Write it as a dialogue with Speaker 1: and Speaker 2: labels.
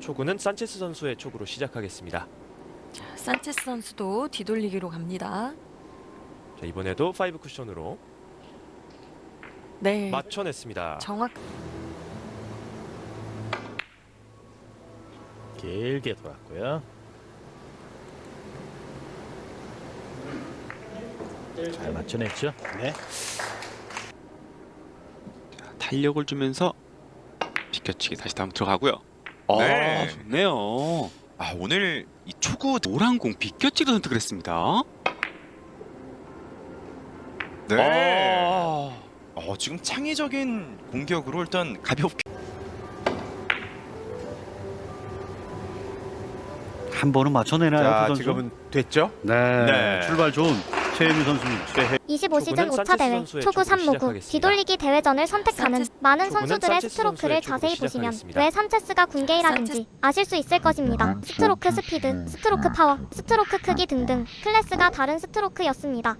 Speaker 1: 초구는 산체스 선수의 초구로 시작하겠습니다.
Speaker 2: 자, 산체스 선수도 뒤돌리기로 갑니다.
Speaker 1: 자, 이번에도 5 쿠션으로
Speaker 2: 네,
Speaker 1: 맞춰냈습니다.
Speaker 2: 정확.
Speaker 3: 길게 돌았고요. 잘 맞춰냈죠. 네.
Speaker 4: 탄력을 주면서 비껴치기 다시 다음 들어가고요.
Speaker 5: 네.
Speaker 4: 좋네요. 오늘 이 초구 노란 공 비껴치기로 선택을 했습니다.
Speaker 5: 네. 지금 창의적인 공격으로 일단 가볍게
Speaker 6: 한 번은 맞춰내나요,
Speaker 7: 자,
Speaker 6: 두 선수?
Speaker 7: 지금은 됐죠?
Speaker 6: 네,
Speaker 5: 네.
Speaker 6: 출발 좋은 최혜미 선수.
Speaker 8: 25시즌
Speaker 1: 초구는
Speaker 8: 5차
Speaker 1: 산체스
Speaker 8: 대회
Speaker 1: 선수의
Speaker 8: 초구
Speaker 1: 초구로
Speaker 8: 3무구
Speaker 1: 시작하겠습니다.
Speaker 8: 뒤돌리기 대회전을 선택하는
Speaker 2: 산체스-
Speaker 8: 많은
Speaker 1: 초구는
Speaker 8: 선수들의
Speaker 1: 산체스
Speaker 8: 스트로크를
Speaker 1: 선수의 초구로
Speaker 8: 자세히 보시면
Speaker 1: 시작하겠습니다.
Speaker 8: 왜 산체스가 군게이라든지 아실 수 있을 것입니다. 스트로크 스피드, 스트로크 파워, 스트로크 크기 등등 클래스가 다른 스트로크였습니다.